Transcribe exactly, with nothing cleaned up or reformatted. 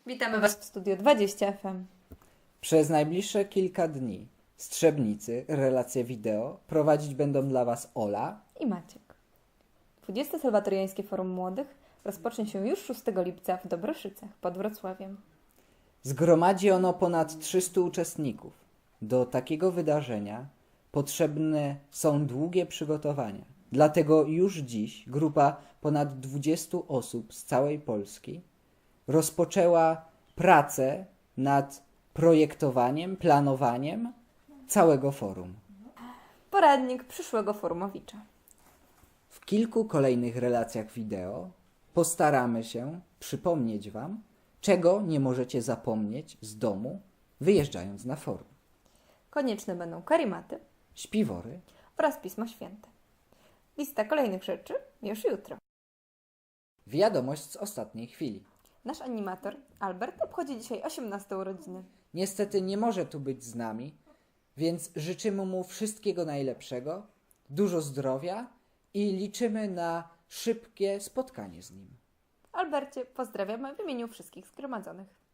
Witamy Was w Studio dwadzieścia F M. Przez najbliższe kilka dni z Trzebnicy relacje wideo prowadzić będą dla Was Ola I Maciek. dwudzieste Salwatoriańskie Forum Młodych rozpocznie się już szóstego lipca w Dobroszycach pod Wrocławiem. Zgromadzi ono ponad trzystu uczestników. Do takiego wydarzenia potrzebne są długie przygotowania. Dlatego już dziś grupa ponad dwudziestu osób z całej Polski rozpoczęła pracę nad projektowaniem, planowaniem całego forum. Poradnik przyszłego forumowicza. W kilku kolejnych relacjach wideo postaramy się przypomnieć Wam, czego nie możecie zapomnieć z domu, wyjeżdżając na forum. Konieczne będą karimaty Śpiwory, oraz Pismo Święte. Lista kolejnych rzeczy już jutro. wiadomość z ostatniej chwili. Nasz animator Albert obchodzi dzisiaj osiemnaste urodziny. Niestety nie może tu być z nami, więc życzymy mu wszystkiego najlepszego, dużo zdrowia i liczymy na szybkie spotkanie z nim. Albercie, pozdrawiamy w imieniu wszystkich zgromadzonych.